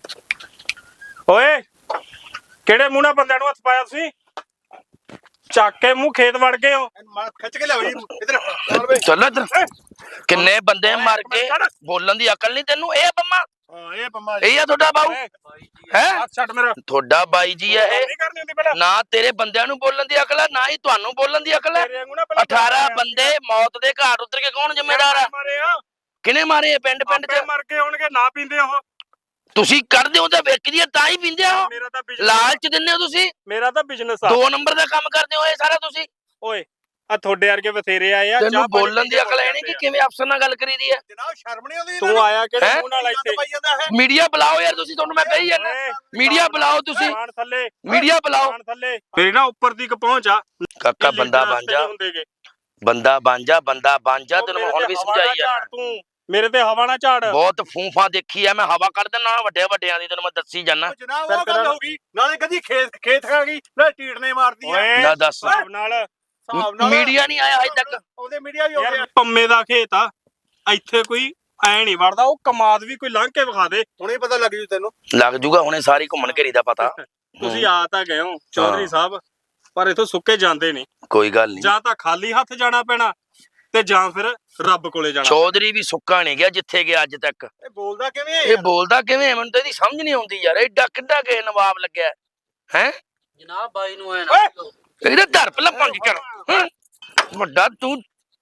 B: ਓਏ ਕਿਹੜੇ ਮੂੰਹ ਨਾਲ ਬੰਦਿਆਂ ਨੂੰ ਹੱਥ ਪਾਇਆ ਤੁਸੀਂ? ਚੱਕ ਕੇ ਮੂੰਹ ਖੇਤ ਵੜ ਗਏ ਹੋ। ਖਿੱਚ ਕੇ ਲਿਆਓ ਜੀ ਇਧਰ।
A: ਚੱਲ ਇੱਧਰ। ਕਿੰਨੇ ਬੰਦੇ ਮਰ ਕੇ ਬੋਲਣ ਦੀ ਅਕਲ ਨਹੀਂ ਤੈਨੂੰ? ਇਹ ਪੰਮਾ?
B: ਹਾਂ ਇਹ ਪੰਮਾ
A: ਇਹ ਆ ਤੁਹਾਡਾ ਬਾਊ ਹੈ?
B: ਹੱਥ ਛੱਡ ਮੇਰਾ।
A: ਤੁਹਾਡਾ ਬਾਈ ਜੀ ਹੈ ਇਹ?
B: ਨਹੀਂ ਕਰਨੀ ਹੁੰਦੀ ਪਹਿਲਾਂ।
A: ਨਾ ਤੇਰੇ ਬੰਦਿਆਂ ਨੂੰ ਬੋਲਣ ਦੀ ਅਕਲ ਹੈ, ਨਾ ਹੀ ਤੁਹਾਨੂੰ ਬੋਲਣ ਦੀ ਅਕਲ ਹੈ। ਅਠਾਰਾਂ ਬੰਦੇ ਮੌਤ ਦੇ ਘਾਟ ਉਤਰ ਕੇ ਕੌਣ ਜ਼ਿੰਮੇਦਾਰ ਆ? ਕਿਹਨੇ ਮਾਰੇ? ਪਿੰਡ ਪਿੰਡ ਚ
B: ਮਰ ਕੇ ਹੋਣਗੇ। ਨਾ ਪੀਂਦੇ ਉਹ।
A: ਤੁਸੀਂ ਕਰਦੇ ਹੋ ਤਾਂ ਵੇਖਦੀ ਆ ਤਾਂ ਹੀ ਪੀਂਦੇ ਹੋ।
B: ਮੇਰਾ ਤਾਂ
A: ਲਾਲਚ ਦਿੰਦੇ ਹੋ ਤੁਸੀਂ।
B: ਮੇਰਾ ਤਾਂ ਬਿਜ਼ਨਸ ਆ।
A: ਦੋ ਨੰਬਰ ਦਾ ਕੰਮ ਕਰਦੇ ਹੋ ਇਹ ਸਾਰਾ ਤੁਸੀਂ।
B: ਓਏ ਆ ਤੁਹਾਡੇ ਵਰਗੇ ਬਥੇਰੇ ਆਏ ਆ।
A: ਤੈਨੂੰ ਬੋਲਣ ਦੀ ਅਕਲ ਹੈ ਨਹੀਂ ਕਿ ਕਿਵੇਂ ਅਫਸਰ ਨਾਲ ਗੱਲ ਕਰੀਦੀ ਹੈ?
B: ਜਨਾਬ ਸ਼ਰਮ ਨਹੀਂ ਆਉਂਦੀ? ਤੂੰ ਆਇਆ ਕਿਹੜੇ ਮੂੰਹ ਨਾਲ ਇੱਥੇ?
A: ਮੀਡੀਆ ਬੁਲਾਓ ਯਾਰ ਤੁਸੀਂ। ਤੁਹਾਨੂੰ ਮੈਂ ਕਹੀ ਜਾਂਦਾ ਮੀਡੀਆ ਬੁਲਾਓ ਤੁਸੀਂ।
B: ਥੱਲੇ
A: ਮੀਡੀਆ ਬੁਲਾਓ।
B: ਥੱਲੇ ਮੇਰੀ ਨਾ ਉੱਪਰ ਦੀ ਕ ਪਹੁੰਚ ਆ।
A: ਕਾਕਾ ਬੰਦਾ ਬਣ ਜਾ, ਬੰਦਾ ਬਣ ਜਾ, ਬੰਦਾ ਬਣ ਜਾ। ਤੈਨੂੰ ਹੁਣ ਵੀ ਸਮਝਾਈ ਜਾਂਦਾ।
B: ਤੂੰ ਮੇਰੇ ਤੇ ਹਵਾ ਨਾ ਝਾੜ।
A: ਬਹੁਤ ਫੂਫਾ ਦੇਖੀ ਆ ਮੈਂ, ਹਵਾ ਕੱਢ ਦੇਣਾ ਵੱਡੇ ਵੱਡਿਆਂ ਦੀ। ਤੈਨੂੰ ਮੈਂ ਦੱਸੀ ਜਾਣਾ।
B: ਜਨਾਬ ਉਹ ਗੱਲ ਹੋ ਗਈ। ਨਾਲੇ ਕਦੀ ਖੇਤ ਖੇਤ ਖਾ ਗਈ, ਨਾਲੇ ਟੀਟਨੇ ਮਾਰਦੀ ਆ।
A: ਨਾ ਦੱਸ।
B: ਨਾਲ ਹਿਸਾਬ ਨਾਲ
A: ਮੀਡੀਆ ਨਹੀਂ ਆਇਆ ਹਜੇ ਤੱਕ।
B: ਉਹਦੇ ਮੀਡੀਆ ਵੀ ਯਾਰ ਪੰਮੇ ਦਾ ਖੇਤ ਆ, ਇੱਥੇ ਕੋਈ ਐ ਨਹੀਂ ਵੜਦਾ। ਉਹ ਕਮਾਦ ਵੀ ਕੋਈ ਲੰਘ ਕੇ ਵਿਖਾ ਦੇ, ਹੁਣੇ ਪਤਾ ਲੱਗ ਜੂ ਤੈਨੂੰ।
A: ਲੱਗ ਜੂਗਾ ਹੁਣੇ ਸਾਰੀ ਘੁੰਮਣ ਘੇਰੀ ਦਾ ਪਤਾ।
B: ਤੁਸੀਂ ਆ ਤਾਂ ਗਏ ਹੋ ਚੌਧਰੀ ਸਾਹਿਬ, ਪਰ ਇਥੋਂ ਸੁੱਕੇ ਜਾਂਦੇ ਨਹੀਂ।
A: ਕੋਈ ਗੱਲ ਨਹੀਂ,
B: ਜਾਂ ਤਾਂ ਖਾਲੀ ਹੱਥ ਜਾਣਾ ਪੈਣਾ ਤੇ ਜਾਂ ਫਿਰ ਰੱਬ ਕੋਲੇ ਜਾਣਾ।
A: ਚੌਧਰੀ ਵੀ ਸੁੱਕਾ ਨਹੀਂ ਗਿਆ ਜਿੱਥੇ ਗਿਆ ਅੱਜ ਤੱਕ।
B: ਇਹ ਬੋਲਦਾ ਕਿਵੇਂ
A: ਇਹ ਬੋਲਦਾ ਕਿਵੇਂ ਹੈ? ਮੈਨੂੰ ਤਾਂ ਇਹਦੀ ਸਮਝ ਨਹੀਂ ਆਉਂਦੀ ਯਾਰ। ਐਡਾ ਕਿੱਡਾ ਕੇ ਨਵਾਬ ਲੱਗਿਆ ਹੈ।
C: ਜਨਾਬ ਬਾਈ ਨੂੰ ਐ ਨਾ
A: ਇਹਦੇ ਧਰ ਪਹਿਲਾਂ ਪੰਜ ਕਰ। ਹੈਂ? ਵੱਡਾ ਤੂੰ,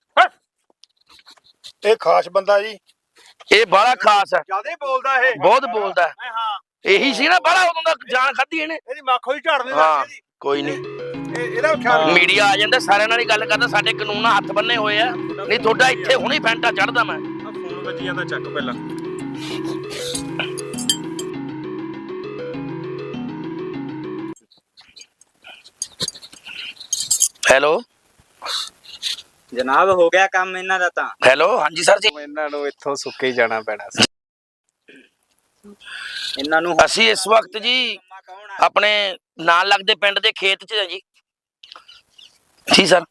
B: ਇਹ ਖਾਸ ਬੰਦਾ ਜੀ,
A: ਇਹ ਬੜਾ ਖਾਸ ਹੈ,
B: ਜਿਆਦਾ ਬੋਲਦਾ ਇਹ,
A: ਬਹੁਤ ਬੋਲਦਾ ਹੈ।
B: ਹਾਂ
A: ਇਹੀ ਸੀ ਨਾ ਬੜਾ ਉਦੋਂ ਦਾ ਜਾਨ ਖਾਧੀ ਇਹਨੇ।
B: ਇਹਦੀ ਮੱਖੋ ਹੀ ਝੜਨੇ
A: ਹਾਂ ਕੋਈ ਨਹੀਂ,
B: ਇਹਦਾ ਖਿਆਲ
A: ਮੀਡੀਆ ਆ ਜਾਂਦਾ ਸਾਰਿਆਂ ਨਾਲ ਹੀ ਗੱਲ ਕਰਦਾ। ਸਾਡੇ ਕਾਨੂੰਨ ਨਾਲ ਹੱਥ ਬੰਨੇ ਹੋਏ ਆ, ਨਹੀਂ ਤੁਹਾਡਾ ਇੱਥੇ ਹੁਣੇ ਫੈਂਟਾ ਚੜਦਾ ਮੈਂ।
B: ਫੋਨ ਵੱਜੀ ਜਾਂਦਾ, ਚੱਕ ਪਹਿਲਾਂ।
A: ਹੈਲੋ
G: ਜਨਾਬ ਹੋ ਗਿਆ ਕੰਮ ਇਹਨਾਂ ਦਾ ਤਾਂ।
A: ਹੈਲੋ ਹਾਂਜੀ ਸਰ ਜੀ।
B: ਇਹਨਾਂ ਨੂੰ ਇੱਥੋਂ ਸੁੱਕੇ ਹੀ ਜਾਣਾ ਪੈਣਾ ਸੀ।
G: ਇਹਨਾਂ ਨੂੰ
A: ਅਸੀਂ ਇਸ ਵਕਤ ਜੀ ਆਪਣੇ ਨਾਲ ਲੱਗਦੇ ਪਿੰਡ ਦੇ ਖੇਤ 'ਚ ਹਾਂ ਜੀ। ਜੀ ਸਰ,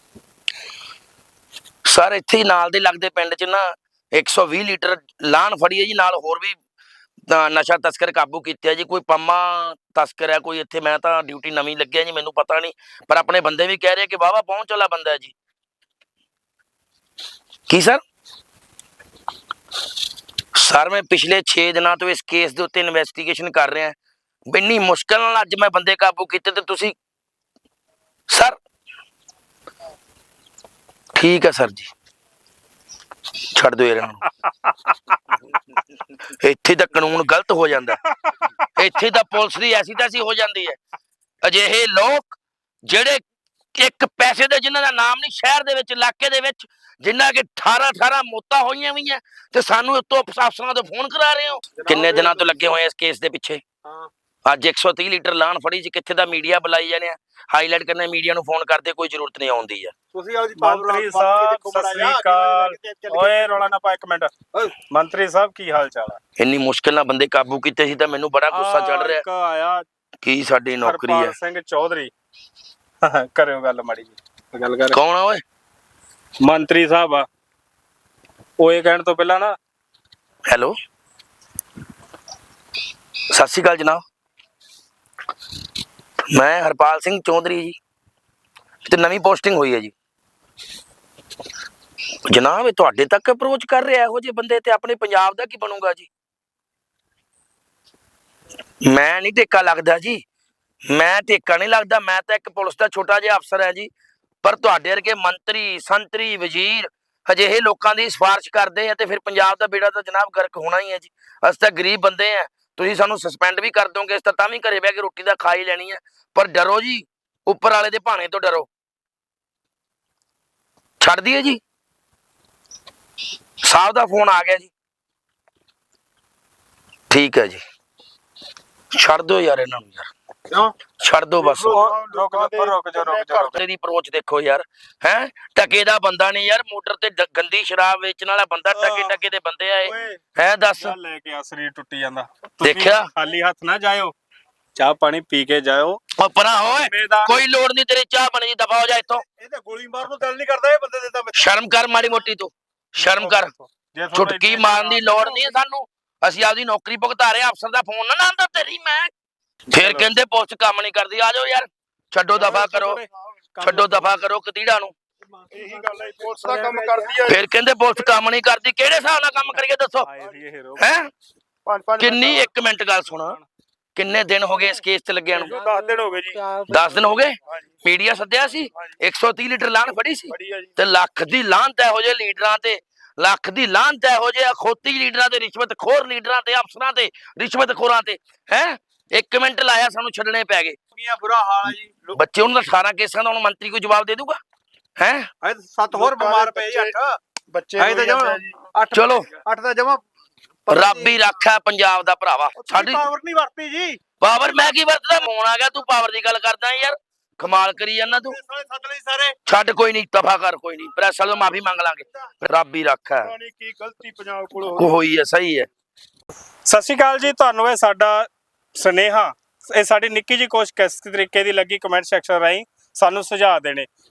A: ਸਰ ਇੱਥੇ ਹੀ ਨਾਲ ਦੇ ਲੱਗਦੇ ਪਿੰਡ 'ਚ ਨਾ ਇੱਕ ਸੌ ਵੀਹ ਲੀਟਰ ਲਾਣ ਫੜੀ ਹੈ ਜੀ। ਨਾਲ ਹੋਰ ਵੀ ਅ, ਨਸ਼ਾ ਤਸਕਰ ਕਾਬੂ ਕੀਤੇ ਆ ਜੀ। ਕੋਈ ਪੰਮਾ ਤਸਕਰ ਹੈ ਕੋਈ ਇੱਥੇ। ਮੈਂ ਤਾਂ ਡਿਊਟੀ ਨਵੀਂ ਲੱਗਿਆ ਜੀ, ਮੈਨੂੰ ਪਤਾ ਨਹੀਂ, ਪਰ ਆਪਣੇ ਬੰਦੇ ਵੀ ਕਹਿ ਰਹੇ ਕਿ ਵਾਹਵਾ ਪਹੁੰਚ ਵਾਲਾ ਬੰਦਾ ਹੈ ਜੀ। ਕੀ ਸਰ? ਸਰ ਮੈਂ ਪਿਛਲੇ ਛੇ ਦਿਨਾਂ ਤੋਂ ਇਸ ਕੇਸ ਦੇ ਉੱਤੇ ਇਨਵੈਸਟੀਗੇਸ਼ਨ ਕਰ ਰਿਹਾ। ਇੰਨੀ ਮੁਸ਼ਕਲ ਨਾਲ ਅੱਜ ਮੈਂ ਬੰਦੇ ਕਾਬੂ ਕੀਤੇ ਤੇ ਤੁਸੀਂ ਸਰ। ਠੀਕ ਹੈ ਸਰ ਜੀ, ਛੱਡ ਦਿਓ ਇਹਨਾਂ ਨੂੰ। ਇੱਥੇ ਤਾਂ ਕਾਨੂੰਨ ਗਲਤ ਹੋ ਜਾਂਦਾ, ਇੱਥੇ ਤਾਂ ਪੁਲਿਸ ਦੀ ਐਸੀ ਤੈਸੀ ਹੋ ਜਾਂਦੀ ਹੈ। ਅਜਿਹੇ ਲੋਕ ਜਿਹੜੇ ਇੱਕ ਪੈਸੇ ਦੇ, ਜਿਨ੍ਹਾਂ ਦਾ ਨਾਮ ਨਹੀਂ ਸ਼ਹਿਰ ਦੇ ਵਿੱਚ, ਇਲਾਕੇ ਦੇ ਵਿੱਚ, ਜਿਨ੍ਹਾਂ ਕੇ ਅਠਾਰਾਂ ਅਠਾਰਾਂ ਮੌਤਾਂ ਹੋਈਆਂ ਹੋਈਆਂ, ਤੇ ਸਾਨੂੰ ਉੱਤੋਂ ਅਫਸਰਾਂ ਤੋਂ ਫੋਨ ਕਰਾ ਰਹੇ ਹੋ। ਕਿੰਨੇ ਦਿਨਾਂ ਤੋਂ ਲੱਗੇ ਹੋਏ ਇਸ ਕੇਸ ਦੇ ਪਿੱਛੇ। ਅੱਜ ਇੱਕ ਸੌ ਤੀਹ ਲੀਟਰ ਲਾਣ ਫੜੀ ਜੀ। ਕਿੱਥੇ ਦਾ ਮੀਡੀਆ ਬੁਲਾਈ ਜਾਂਦੇ ਆ, ਹਾਈਲਾਈਟ ਕਰਨੇ ਮੀਡੀਆ ਨੂੰ ਫੋਨ ਕਰਦੇ, ਕੋਈ ਜ਼ਰੂਰਤ ਨਹੀਂ ਆਉਂਦੀ ਆ।
B: ਤੁਸੀਂ ਆਪਦੀ ਮੰਤਰੀ ਸਾਹਿਬ ਸਤਿ ਸ੍ਰੀ ਅਕਾਲ। ਓਏ ਰੌਲਾ ਨਾ ਪਾ, ਇੱਕ ਮਿੰਟ। ਮੰਤਰੀ ਸਾਹਿਬ ਕੀ ਹਾਲ ਚਾਲ ਆ?
A: ਇੰਨੀ ਮੁਸ਼ਕਿਲ ਨਾਲ ਬੰਦੇ ਕਾਬੂ ਕੀਤੇ ਸੀ ਤਾਂ ਮੈਨੂੰ ਬੜਾ ਗੁੱਸਾ ਚੜ ਰਿਹਾ।
B: ਇੱਕ ਆਇਆ
A: ਕੀ ਸਾਡੀ ਨੌਕਰੀ ਹੈ।
B: ਹਰਪਾਲ ਸਿੰਘ ਚੌਧਰੀ, ਕਰਿਓ ਗੱਲ ਮਾੜੀ ਜੀ। ਗੱਲ ਕਰ।
A: ਕੌਣ ਆ ਓਏ?
B: ਮੰਤਰੀ ਸਾਹਿਬ ਆ। ਓਏ ਕਹਿਣ ਤੋਂ ਪਹਿਲਾਂ ਨਾ,
A: ਹੈਲੋ ਸਤਿ ਸ਼੍ਰੀ ਅਕਾਲ ਜਨਾਬ, ਮੈਂ ਹਰਪਾਲ ਸਿੰਘ ਚੌਧਰੀ ਜੀ, ਤੇ ਨਵੀਂ ਪੋਸਟਿੰਗ ਹੋਈ ਹੈ ਜੀ। ਜਨਾਬ ਇਹ ਤੁਹਾਡੇ ਤੱਕ ਅਪਰੋਚ ਕਰ ਰਿਹਾ ਇਹੋ ਜਿਹੇ ਬੰਦੇ, ਤੇ ਆਪਣੇ ਪੰਜਾਬ ਦਾ ਕੀ ਬਣੂਗਾ ਜੀ? ਮੈਂ ਨਹੀਂ ਟੇਕਾ ਲੱਗਦਾ ਜੀ, ਮੈਂ ਟੇਕਾ ਨਹੀਂ ਲੱਗਦਾ। ਮੈਂ ਤਾਂ ਇੱਕ ਪੁਲਿਸ ਦਾ ਛੋਟਾ ਜਿਹਾ ਅਫਸਰ ਹੈ ਜੀ। ਪਰ ਤੁਹਾਡੇ ਵਰਗੇ ਮੰਤਰੀ, ਸੰਤਰੀ, ਵਜ਼ੀਰ ਅਜਿਹੇ ਲੋਕਾਂ ਦੀ ਸਿਫਾਰਿਸ਼ ਕਰਦੇ ਆ ਤੇ ਫਿਰ ਪੰਜਾਬ ਦਾ ਬੇੜਾ ਤਾਂ ਜਨਾਬ ਗਰਕ ਹੋਣਾ ਹੀ ਹੈ ਜੀ। ਅਸੀਂ ਤਾਂ ਗਰੀਬ ਬੰਦੇ ਆ। ਤੁਸੀਂ ਸਾਨੂੰ ਸਸਪੈਂਡ ਵੀ ਕਰ ਦੋਗੇ, ਇਸ ਤਾਂ ਤਾਂ ਵੀ ਘਰੇ ਬਹਿ ਕੇ ਰੋਟੀ ਦਾ ਖਾ ਹੀ ਲੈਣੀ ਹੈ। ਪਰ ਡਰੋ ਜੀ, ਉੱਪਰ ਵਾਲੇ ਦੇ ਭਾਣੇ ਤੋਂ ਡਰੋ। ਛੱਡ ਦਈਏ ਜੀ? ਸਾਹਿਬ ਦਾ ਫੋਨ ਆ ਗਿਆ ਜੀ। ਠੀਕ ਹੈ ਜੀ, ਛੱਡ ਦਿਓ ਯਾਰ ਇਹਨਾਂ ਨੂੰ ਯਾਰ।
B: ਕਿਉਂ
A: ਛੱਡ ਦਿਓ ਬਸ।
B: ਰੁਕ ਜਾ ਰੁਕ ਜਾ ਰੁਕ ਜਾ।
A: ਤੇਰੀ ਅਪਰੋਚ ਦੇਖੋ ਯਾਰ, ਹੈ ਟਕੇ ਦਾ ਬੰਦਾ ਨਹੀਂ ਯਾਰ। ਮੋਟਰ ਤੇ ਡ- ਗੰਦੀ ਸ਼ਰਾਬ ਵੇਚਣ ਵਾਲਾ ਬੰਦਾ, ਟਕੇ ਟਕੇ ਦੇ ਬੰਦੇ ਆਏ ਹੈ। ਦੱਸ
B: ਲੈ ਕੇ ਆ, ਸਰੀਰ ਟੁੱਟੀ ਜਾਂਦਾ। ਤੁਸੀਂ
A: ਦੇਖਿਆ?
B: ਖਾਲੀ ਹੱਥ ਨਾ ਜਾਇਓ, ਚਾਹ ਪਾਣੀ ਪੀ ਕੇ ਜਾਇਓ।
A: ਉਹ ਪਰਾਂ ਹੋਏ, ਕੋਈ ਲੋੜ ਨਹੀਂ ਤੇਰੀ ਚਾਹ ਬਣੀ ਜੀ, ਦਫਾ ਹੋ ਜਾ ਇੱਥੋਂ।
B: ਇਹ ਤਾਂ ਗੋਲੀ ਮਾਰਨ ਨੂੰ ਦਿਲ ਨਹੀਂ ਕਰਦਾ ਇਹ ਬੰਦੇ ਦੇ ਤਾਂ।
A: ਸ਼ਰਮ ਕਰ ਮਾੜੀ ਮੋਟੀ, ਤੂੰ ਸ਼ਰਮ ਕਰ। ਚੁਟਕੀ ਮਾਰਨ ਦੀ ਲੋੜ ਨਹੀਂ ਸਾਨੂੰ, ਅਸੀਂ ਆਪਦੀ ਨੌਕਰੀ ਭੁਗਤਾ ਰਹੇ। ਅਫਸਰ ਦਾ ਫੋਨ ਨਾ ਆਉਂਦਾ ਤੇਰੀ ਮੈਂ। ਫਿਰ ਕਹਿੰਦੇ ਪੁਲਿਸ ਕੰਮ ਨਹੀਂ ਕਰਦੀ। ਆ ਜਾਓ ਯਾਰ, ਛੱਡੋ ਦਫਾ ਕਰੋ, ਛੱਡੋ ਦਫਾ ਕਰੋ ਕਤੀੜਾ ਨੂੰ।
B: ਇਹੀ ਗੱਲ ਹੈ, ਪੁਲਿਸ ਦਾ ਕੰਮ ਕਰਦੀ ਹੈ।
A: ਫਿਰ ਕਹਿੰਦੇ ਪੁਲਿਸ ਕੰਮ ਨਹੀਂ ਕਰਦੀ। ਕਿਹੜੇ ਹਿਸਾਬ ਨਾਲ ਕੰਮ ਕਰੀਏ ਦੱਸੋ? ਹੈ ਕਿੰਨੀ, ਇੱਕ ਮਿੰਟ ਗੱਲ ਸੁਣਾ, ਕਿੰਨੇ ਦਿਨ ਹੋ ਗਏ ਇਸ ਕੇਸ 'ਚ ਲੱਗਿਆ ਨੂੰ?
B: ਦਸ ਦਿਨ ਹੋ ਗਏ ਜੀ।
A: ਦਸ ਦਿਨ ਹੋ ਗਏ। ਮੀਡੀਆ ਸੱਦਿਆ ਸੀ, ਇੱਕ ਸੌ ਤੀਹ ਲੀਟਰ ਲਾਣ ਫੜੀ ਸੀ, ਤੇ ਲੱਖ ਦੀ ਲਾਹਨਤ ਇਹੋ ਜਿਹੇ ਲੀਡਰਾਂ ਤੇ, ਲੱਖ ਦੀ ਲਾਹਨਤ ਇਹੋ ਜਿਹੇ ਅਖੌਤੀ ਲੀਡਰਾਂ ਤੇ, ਰਿਸ਼ਵਤ ਖੋਰ ਲੀਡਰਾਂ ਤੇ, ਅਫਸਰਾਂ ਤੇ, ਰਿਸ਼ਵਤ ਖੋਰਾਂ ਤੇ। ਹੈ ਇੱਕ ਮਿੰਟ ਲਾਇਆ, ਸਾਨੂੰ ਛੱਡਣੇ ਪੈ ਗਏ।
B: ਬੁਰਾ ਹਾਲ ਹੈ ਜੀ।
A: ਬੱਚੇ ਉਹਨਾਂ ਦਾ ਅਠਾਰਾਂ ਕੇਸਾਂ ਦਾ ਹੁਣ ਮੰਤਰੀ ਕੋਈ ਜਵਾਬ ਦੇ ਦੂਗਾ? ਹੈ
B: ਸੱਤ ਹੋਰ ਬਿਮਾਰ ਪਏ ਜੀ। ਅੱਠ ਬੱਚੇ ਤਾਂ ਜਮਾ ਅੱਠ,
A: ਚਲੋ
B: ਅੱਠ ਦਾ ਜਮਾ।
A: ਰੱਬ ਹੀ ਰੱਖਾ ਪੰਜਾਬ ਦਾ ਭਰਾਵਾ। ਸਾਡੀ
B: ਪਾਵਰ ਨਹੀਂ ਵਰਤੀ ਜੀ।
A: ਪਾਵਰ ਮੈਂ ਕੀ ਵਰਤਦਾ? ਫੋਨ ਆ ਗਿਆ, ਤੂੰ ਪਾਵਰ ਦੀ ਗੱਲ ਕਰਦਾ ਯਾਰ, ਕਮਾਲ ਕਰੀ ਜਾਂਦਾ ਤੂੰ।
B: ਸੱਦ ਲਈ ਸਾਰੇ।
A: ਛੱਡ, ਕੋਈ ਨਹੀਂ, ਦਫਾ ਕਰ, ਕੋਈ ਨਹੀਂ। ਪ੍ਰੈਸ ਵਾਲੋਂ ਮਾਫੀ ਮੰਗ ਲਾਂਗੇ। ਰੱਬ ਹੀ ਰੱਖਾ।
B: ਕੀ ਗਲਤੀ ਪੰਜਾਬ ਕੋਲ
A: ਹੋਈ ਹੈ, ਸਹੀ ਹੈ।
B: ਸਤਿ ਸ਼੍ਰੀ ਅਕਾਲ ਜੀ, ਤੁਹਾਨੂੰ ਇਹ ਸਾਡਾ ਸੁਨੇਹਾ, ਇਹ ਸਾਡੀ ਨਿੱਕੀ ਜਿਹੀ ਕੋਸ਼ਿਸ਼ ਕਿਸ ਤਰੀਕੇ ਦੀ ਲੱਗੀ, ਕਮੈਂਟ ਸੈਕਸ਼ਨ ਰਾਹੀਂ ਸਾਨੂੰ ਸੁਝਾਅ ਦੇਣੇ।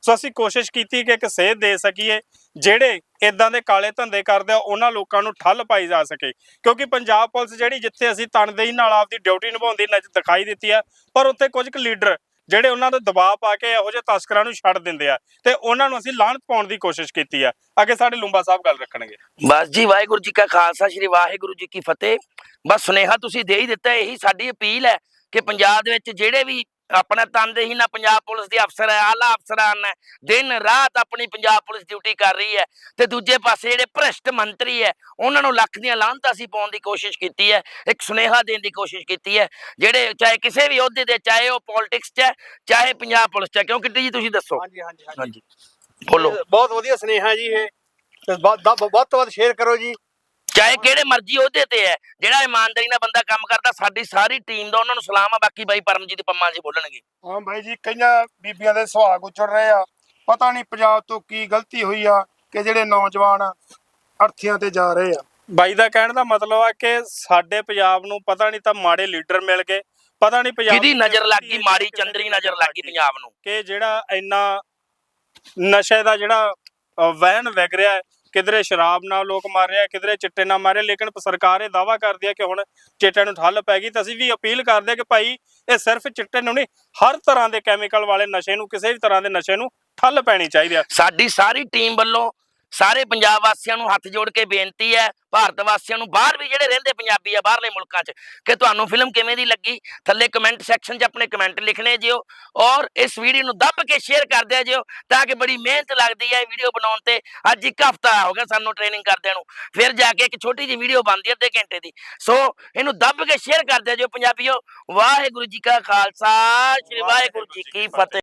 B: ਸੋ ਅਸੀਂ ਕੋਸ਼ਿਸ਼ ਕੀਤੀ ਕਿ ਇੱਕ ਸੇਧ ਦੇ ਸਕੀਏ, ਜਿਹੜੇ ਇਦਾਂ ਦੇ ਕਾਲੇ ਧੰਦੇ ਕਰਦੇ ਆ ਉਹਨਾਂ ਲੋਕਾਂ ਨੂੰ ਠੱਲ ਪਾਈ ਜਾ ਸਕੇ। ਕਿਉਂਕਿ ਪੰਜਾਬ ਪੁਲਿਸ ਜਿਹੜੀ ਜਿੱਥੇ ਅਸੀਂ ਤਨਦੇਹੀ ਨਾਲ ਆਪਦੀ ਡਿਊਟੀ ਨਿਭਾਉਂਦੀ ਨਜ਼ਰ ਦਿਖਾਈ ਦਿੱਤੀ ਆ, ਪਰ ਉੱਥੇ ਕੁਝ ਕੁ ਲੀਡਰ ਜਿਹੜੇ ਉਹਨਾਂ ਦਾ ਦਬਾਅ ਪਾ ਕੇ ਇਹੋ ਜਿਹੇ ਤਸਕਰਾਂ ਨੂੰ ਛੱਡ ਦਿੰਦੇ ਆ ਤੇ ਉਹਨਾਂ ਨੂੰ ਅਸੀਂ ਲਾਹਨਤ ਪਾਉਣ ਦੀ ਕੋਸ਼ਿਸ਼ ਕੀਤੀ ਆ। ਅੱਗੇ ਸਾਡੇ ਲੂੰਬਾ ਸਾਹਿਬ ਗੱਲ ਰੱਖਣਗੇ।
A: ਬਸ ਜੀ, ਵਾਹਿਗੁਰੂ ਜੀ ਕਾ ਖਾਲਸਾ, ਸ਼੍ਰੀ ਵਾਹਿਗੁਰੂ ਜੀ ਕੀ ਫਤਿਹ। ਬਸ ਸੁਨੇਹਾ ਤੁਸੀਂ ਦੇ ਹੀ ਦਿੱਤਾ। ਇਹੀ ਸਾਡੀ ਅਪੀਲ ਹੈ ਕਿ ਪੰਜਾਬ ਦੇ ਵਿੱਚ ਜਿਹੜੇ ਵੀ ਆਪਣਾ ਤਨਦੇਹੀ ਨਾਲ ਪੰਜਾਬ ਪੁਲਿਸ ਦੇ ਅਫਸਰ ਹੈ, ਆਲਾ ਅਫਸਰਾਨ ਹੈ, ਦਿਨ ਰਾਤ ਆਪਣੀ ਪੰਜਾਬ ਪੁਲਿਸ ਡਿਊਟੀ ਕਰ ਰਹੀ ਹੈ, ਤੇ ਦੂਜੇ ਪਾਸੇ ਜਿਹੜੇ ਭ੍ਰਿਸ਼ਟ ਮੰਤਰੀ ਹੈ ਉਹਨਾਂ ਨੂੰ ਲੱਖ ਦੀਆਂ ਲਾਹਨਤਾਂ ਅਸੀਂ ਪਾਉਣ ਦੀ ਕੋਸ਼ਿਸ਼ ਕੀਤੀ ਹੈ। ਇੱਕ ਸੁਨੇਹਾ ਦੇਣ ਦੀ ਕੋਸ਼ਿਸ਼ ਕੀਤੀ ਹੈ, ਜਿਹੜੇ ਚਾਹੇ ਕਿਸੇ ਵੀ ਅਹੁਦੇ ਤੇ, ਚਾਹੇ ਉਹ ਪੋਲਿਟਿਕਸ 'ਚ ਹੈ, ਚਾਹੇ ਪੰਜਾਬ ਪੁਲਿਸ 'ਚ ਹੈ। ਕਿਉਂ ਕਿੱਟੀ ਜੀ ਤੁਸੀਂ ਦੱਸੋ?
H: ਹਾਂਜੀ ਹਾਂਜੀ
A: ਹਾਂਜੀ ਬੋਲੋ।
H: ਬਹੁਤ ਵਧੀਆ ਸੁਨੇਹਾ ਜੀ ਇਹ, ਤੇ ਵੱਧ ਵੱਧ ਤੋਂ ਵੱਧ ਸ਼ੇਅਰ ਕਰੋ ਜੀ।
A: ਚਾਹੇ ਕਿਹੜੇ ਮਰਜ਼ੀ ਅਹੁਦੇ ਤੇ ਹੈ, ਜਿਹੜਾ ਇਮਾਨਦਾਰੀ ਨਾਲ ਬੰਦਾ ਕੰਮ ਕਰਦਾ, ਸਾਡੀ ਸਾਰੀ ਟੀਮ ਦਾ ਉਹਨਾਂ ਨੂੰ ਸਲਾਮ ਆ। ਬਾਕੀ ਬਾਈ ਪਰਮਜੀਤ ਪੰਮਾ ਜੀ ਬੋਲਣਗੇ।
H: ਹਾਂ ਬਾਈ ਜੀ, ਕਈਆਂ ਬੀਬੀਆਂ ਦੇ ਸੁਹਾਗ ਉੱਜੜ ਰਹੇ ਆ। ਪਤਾ ਨਹੀਂ ਪੰਜਾਬ ਤੋਂ ਕੀ ਗਲਤੀ ਹੋਈ ਆ ਕਿ ਜਿਹੜੇ ਨੌਜਵਾਨ ਅਰਥੀਆਂ ਤੇ ਜਾ ਰਹੇ ਆ।
B: ਬਾਈ ਦਾ ਕਹਿਣ ਦਾ ਮਤਲਬ ਆ ਕਿ ਸਾਡੇ ਪੰਜਾਬ ਨੂੰ ਪਤਾ ਨਹੀਂ ਤਾਂ ਮਾੜੇ ਲੀਡਰ ਮਿਲ ਗਏ, ਪਤਾ ਨਹੀਂ ਪੰਜਾਬ
A: ਕਿਹਦੀ ਨਜ਼ਰ ਲੱਗ ਗਈ, ਮਾੜੀ ਚੰਦਰੀ ਨਜ਼ਰ ਲੱਗ ਗਈ ਪੰਜਾਬ ਨੂੰ,
B: ਕਿ ਜਿਹੜਾ ਇੰਨਾ ਨਸ਼ੇ ਦਾ ਜਿਹੜਾ ਵਹਿਣ ਵਿਗ ਰਿਹਾ ਹੈ। ਕਿਧਰੇ ਸ਼ਰਾਬ ਨਾਲ ਲੋਕ ਮਾਰ ਰਹੇ ਆ, ਕਿਧਰੇ ਚਿੱਟੇ ਨਾਲ ਮਾਰੇ, ਲੇਕਿਨ ਸਰਕਾਰ ਇਹ ਦਾਅਵਾ ਕਰਦੀ ਹੈ ਕਿ ਹੁਣ ਚਿੱਟੇ ਨੂੰ ਠੱਲ ਪੈ ਗਈ। ਤਾਂ ਅਸੀਂ ਵੀ ਅਪੀਲ ਕਰਦੇ ਹਾਂ ਕਿ ਭਾਈ ਇਹ ਸਿਰਫ ਚਿੱਟੇ ਨੂੰ ਨਹੀਂ, ਹਰ ਤਰ੍ਹਾਂ ਦੇ ਕੈਮੀਕਲ ਵਾਲੇ ਨਸ਼ੇ ਨੂੰ, ਕਿਸੇ ਵੀ ਤਰ੍ਹਾਂ ਦੇ ਨਸ਼ੇ ਨੂੰ ਠੱਲ ਪੈਣੀ ਚਾਹੀਦੀ ਹੈ।
A: ਸਾਡੀ ਸਾਰੀ ਟੀਮ ਵੱਲੋਂ ਸਾਰੇ ਪੰਜਾਬ ਵਾਸੀਆਂ ਨੂੰ ਹੱਥ ਜੋੜ ਕੇ ਬੇਨਤੀ ਹੈ, ਭਾਰਤ ਵਾਸੀਆਂ ਨੂੰ, ਬਾਹਰ ਵੀ ਜਿਹੜੇ ਰਹਿੰਦੇ ਪੰਜਾਬੀ ਆ ਬਾਹਰਲੇ ਮੁਲਕਾਂ 'ਚ, ਕਿ ਤੁਹਾਨੂੰ ਫਿਲਮ ਕਿਵੇਂ ਦੀ ਲੱਗੀ, ਥੱਲੇ ਕਮੈਂਟ ਸੈਕਸ਼ਨ 'ਚ ਆਪਣੇ ਕਮੈਂਟ ਲਿਖਣੇ ਜਿਓ, ਔਰ ਇਸ ਵੀਡੀਓ ਨੂੰ ਦੱਬ ਕੇ ਸ਼ੇਅਰ ਕਰ ਦਿਆ ਜਿਓ, ਤਾਂ ਕਿ ਬੜੀ ਮਿਹਨਤ ਲੱਗਦੀ ਹੈ ਵੀਡੀਓ ਬਣਾਉਣ ਤੇ। ਅੱਜ ਇੱਕ ਹਫ਼ਤਾ ਹੋ ਗਿਆ ਸਾਨੂੰ ਟ੍ਰੇਨਿੰਗ ਕਰਦਿਆਂ ਨੂੰ, ਫਿਰ ਜਾ ਕੇ ਇੱਕ ਛੋਟੀ ਜਿਹੀ ਵੀਡੀਓ ਬਣਦੀ ਹੈ ਅੱਧੇ ਘੰਟੇ ਦੀ। ਸੋ ਇਹਨੂੰ ਦੱਬ ਕੇ ਸ਼ੇਅਰ ਕਰ ਦਿਆ ਜਿਓ ਪੰਜਾਬੀਓ। ਵਾਹਿਗੁਰੂ ਜੀ ਕਾ ਖਾਲਸਾ, ਸ਼੍ਰੀ ਵਾਹਿਗੁਰੂ ਜੀ ਕੀ ਫਤਿਹ।